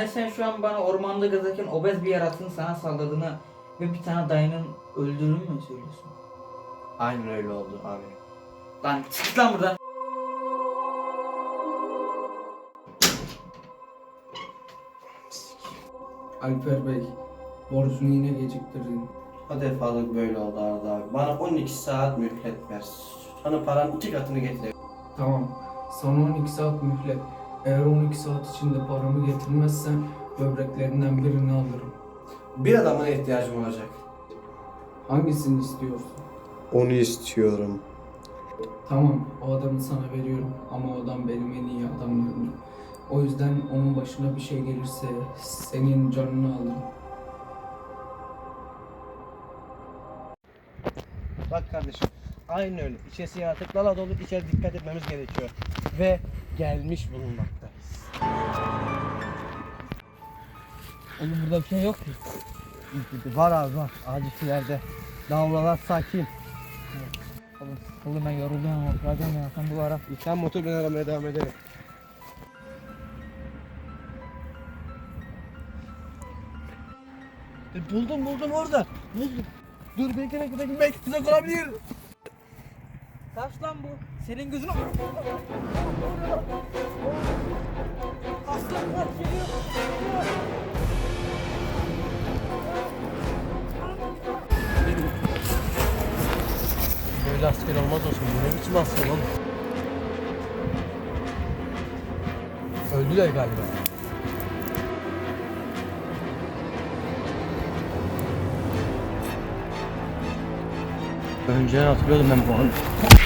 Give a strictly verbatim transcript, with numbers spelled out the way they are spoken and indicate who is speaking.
Speaker 1: Yani sen şu an bana ormanda gezerken obez bir yaratığın sana saldırdığını ve bir tane dayının öldürdüğünü mü söylüyorsun?
Speaker 2: Aynen öyle oldu abi.
Speaker 1: Lan çık lan buradan.
Speaker 3: Alper Bey, borcunu yine geciktirdin.
Speaker 2: O defalık böyle oldu Arda abi. Bana on iki saat mühlet ver. Sana paranın iki katını getir.
Speaker 3: Tamam, sana on iki saat mühlet. Eğer on iki saat içinde paramı getirmezsen böbreklerinden birini alırım.
Speaker 2: Bir adamına ihtiyacım olacak.
Speaker 3: Hangisini istiyorsun?
Speaker 2: Onu istiyorum.
Speaker 3: Tamam, o adamı sana veriyorum ama o adam benim en iyi adamlarımdır. O yüzden onun başına bir şey gelirse senin canını alırım.
Speaker 2: Bak kardeşim. Aynen öyle. İçerisi yaratıklarla dolu. İçeri dikkat etmemiz gerekiyor. Ve gelmiş bulunmaktayız.
Speaker 1: Oğlum burada bir şey yok ki.
Speaker 2: Var abi var. Ağacı yerde. Davralar sakin.
Speaker 1: Oğlum, oğlum ben yoruldum ama oturacağım ya. Sen bu ara.
Speaker 2: Sen motor ben aramaya devam edelim. E, buldum buldum orada. Buldum. Dur bekle bekle bekle. Belki tuzak olabilir.
Speaker 1: Kaç lan bu? Senin gözün...
Speaker 2: Aslan kaç geliyor. Böyle asker olmaz olsun. Bu ne biçim asker oğlum? Öldüler galiba. Önceden hatırlıyordum ben bu anı.